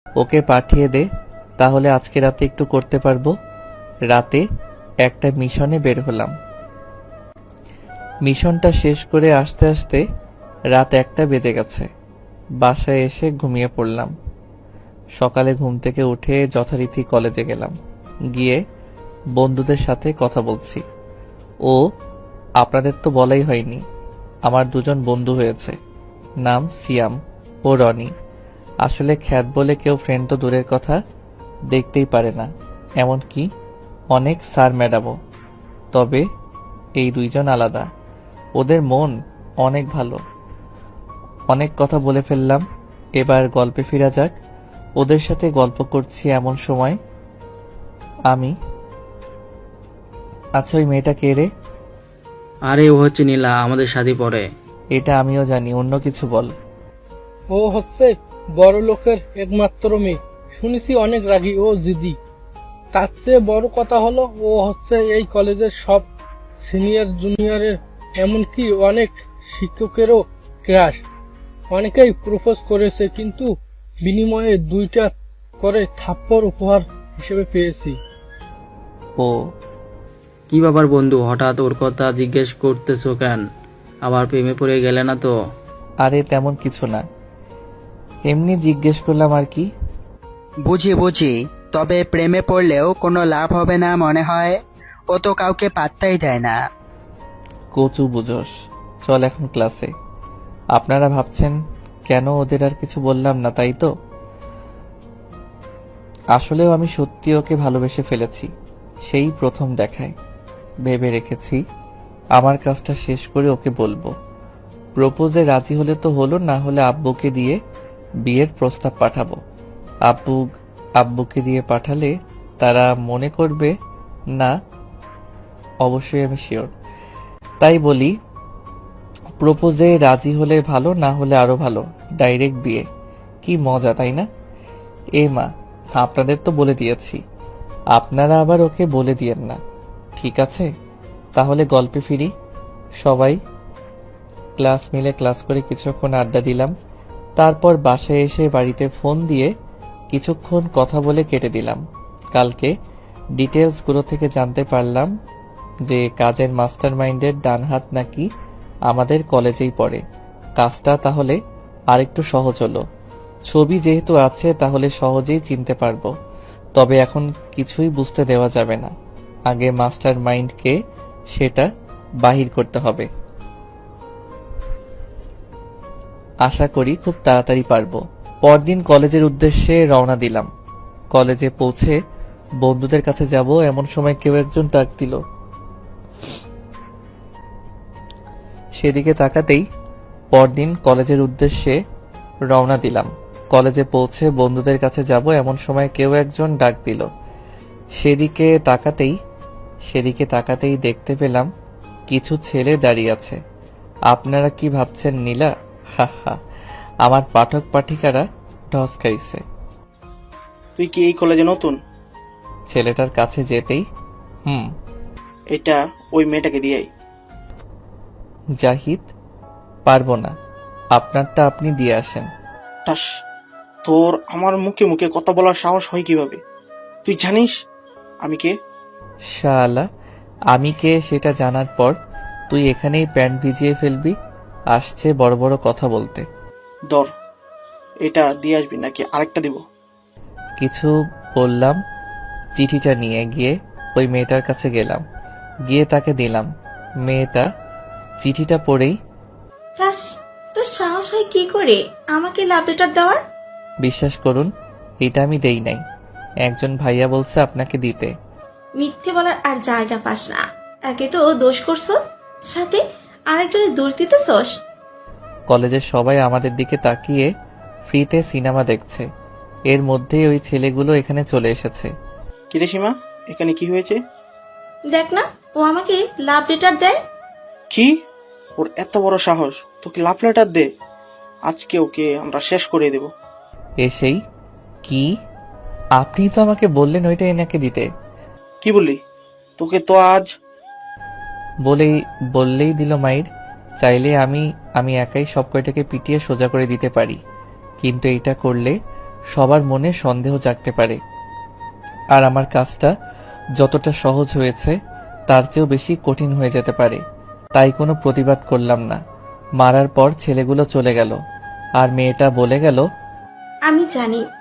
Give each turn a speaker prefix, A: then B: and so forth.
A: ওকে পাঠিয়ে দে, তাহলে আজকে রাতে একটু করতে পারবো। রাতে একটা মিশনে বের হলাম। মিশনটা শেষ করে আসতে আসতে রাত 1টা বেজে গেছে। বাসায় এসে ঘুমিয়ে পড়লাম। সকালে ঘুম থেকে উঠে যথারীতি কলেজে গেলাম। গিয়ে বন্ধুদের সাথে কথা বলছি। ও, আপনাদের তো বলাই হয়নি, আমার 2জন বন্ধু হয়েছে। নাম সিয়াম ও রনি। আসলে খ্যাত বলে কেউ ফ্রেন্ড তো দূরের কথা, দেখতেই পারে না, এমনকি অনেক স্যার ম্যাডামও। তবে এই 2জন আলাদা। ওদের মন অনেক ভালো। অনেক কথা বলে ফেললাম, এবার গল্পে ফিরা যাক। ওদের সাথে গল্প করছি এমন সময় আমি, আচ্ছা ওই মেয়েটা কে রে?
B: আরে ও হচ্ছে নীলা, আমাদের সাথে পড়ে।
A: এটা আমিও জানি, অন্য কিছু বল।
C: ও হচ্ছে বড় লোকের একমাত্র মেয়ে। শুনেছি অনেক রাগী ও জিদি। তার চেয়ে বড় কথা হলো ও হচ্ছে এই কলেজের সব সিনিয়র জুনিয়রের, এমনকি অনেক শিক্ষকেরও ক্রাশ। অনেকেই প্রপোজ করেছে, কিন্তু বিনিময়ে 2টা করে থাপ্পড় উপহার হিসেবে পেয়েছি।
A: ও,
B: কি ব্যাপার বন্ধু, হঠাৎ ওর কথা জিজ্ঞেস করতেছো কেন? আবার প্রেমে পড়ে গেলে না তো?
A: আরে তেমন কিছু না, এমনি জিজ্ঞেস করলাম আর কি।
D: বুঝি বুঝি, তবে প্রেমে পড়লেও কোনো লাভ হবে না মনে হয়। ও তো কাউকে পাত্তাই দেয় না।
A: কচু বুঝোস। চল এখন ক্লাসে। আপনারা ভাবছেন কেন ওদের আর কিছু বললাম না, তাই তো? আসলেও আমি সত্যি ওকে ভালোবেসে ফেলেছি, সেই প্রথম দেখায়। ভেবে রেখেছি আমার কাজটা শেষ করে ওকে বলবো। প্রপোজে রাজি হলে তো হলো, না হলে আব্বুকে দিয়ে বিয়ের প্রস্তাব পাঠাবো। আব্বুকে দিয়ে পাঠালে তারা মনে করবে না, অবশ্যই আমি শিওর। তাই বলি, প্রপোজে রাজি হলে ভালো, না হলে আরো ভালো, ডাইরেক্ট বিয়ে। কি মজা, তাই না? এ মা, আপনাদের তো বলে দিয়েছি, আপনারা আবার ওকে বলে দিয়েন না, ঠিক আছে? তাহলে গল্পে ফিরি। সবাই ক্লাস মিলে ক্লাস করে কিছুক্ষণ আড্ডা দিলাম। তারপর বাসায় এসে বাড়িতে ফোন দিয়ে কিছুক্ষণ কথা বলে কেটে দিলাম। কালকে ডিটেলসগুলো থেকে জানতে পারলাম যে কাজের মাস্টার মাইন্ডের ডান হাত নাকি আমাদের কলেজেই পড়ে। কাজটা তাহলে আরেকটু সহজ হলো। ছবি যেহেতু আছে তাহলে সহজেই চিনতে পারবো। তবে এখন কিছুই বুঝতে দেওয়া যাবে না, আগে মাস্টার মাইন্ডকে সেটা বাহির করতে হবে। আশা করি খুব তাড়াতাড়ি পারবো। পরদিন কলেজের উদ্দেশ্যে রওনা দিলাম। কলেজে পৌঁছে বন্ধুদের কাছে যাব এমন সময় কেউ একজন ডাক দিল। সেদিকে তাকাতেই পরদিন কলেজের উদ্দেশ্যে রওনা দিলাম। কলেজে পৌঁছে বন্ধুদের কাছে যাব এমন সময় কেউ একজন ডাক দিল। সেদিকে তাকাতেই দেখতে পেলাম কিছু ছেলে দাঁড়িয়ে আছে। আপনারা কি ভাবছেন নীলা? হা হা, আমার পাঠক পাঠিকারা ঢস খাইছে।
E: তুই কি এই কলেজে নতুন?
A: ছেলেটার কাছে যেতেই
E: এটা ওই মেয়েটাকে দিয়াই।
A: জাহিদ, পারবো না, আপনারটা আপনি দিয়ে আসেন।
E: টাস, তোর আমার মুখে মুখে কথা বলার সাহস হয় কিভাবে? তুই জানিস আমি কে?
A: শালা, আমি কে সেটা জানার পর তুই এখানেই প্যান্ট ভিজিয়ে ফেলবি? আসছে বড় বড় কথা বলতে।
E: ধর, এটা দিয়ে আসবি নাকি আরেকটা দিব?
A: কিছু বললাম। চিঠিটা নিয়ে গিয়ে ওই মেয়েটার কাছে গেলাম, গিয়ে তাকে দিলাম। মেয়েটা চিঠিটা পড়েই,
F: ক্লাস, তোর সাহস হয় কি করে আমাকে লাভ লেটার দেওয়ার?
A: বিশ্বাস করুন এটা আমি দেই নাই, একজন ভাইয়া বলছে আপনাকে দিতে।
F: মিথ্যে বলার আর জায়গা পাস না। একে তো দোষ করছো, সাথে আরেকজনের দোষ দিতেছস।
A: কলেজের সবাই আমাদের দিকে তাকিয়ে ফ্রিতে সিনেমা দেখছে। এর মধ্যেই ওই ছেলেগুলো এখানে চলে এসেছে।
E: কিরে সীমা, এখানে কি হয়েছে?
F: দেখ না, ও আমাকে লাভ লেটার দেয়।
E: কি? ওর এত বড় সাহস তোকে লাভ লেটার দে? আজকে ওকে আমরা শেষ করে দেব।
A: এসেই, কি? আপনি তো আমাকে বললেন ওইটা এনাকে দিতে।
E: কি বললি? তোকে তো আজ
A: বললেই দিল মাইর। চাইলে আমি একাই সব কয়টাকে পিটিয়ে সোজা করে দিতে পারি, কিন্তু এটা করলে সবার মনে সন্দেহ জাগতে পারে। আর আমার কাজটা যতটা সহজ হয়েছে তার চেয়েও বেশি কঠিন হয়ে যেতে পারে। তাই কোনো প্রতিবাদ করলাম না। মারার পর ছেলেগুলো চলে গেল আর মেয়েটা বলে গেল,
F: আমি জানি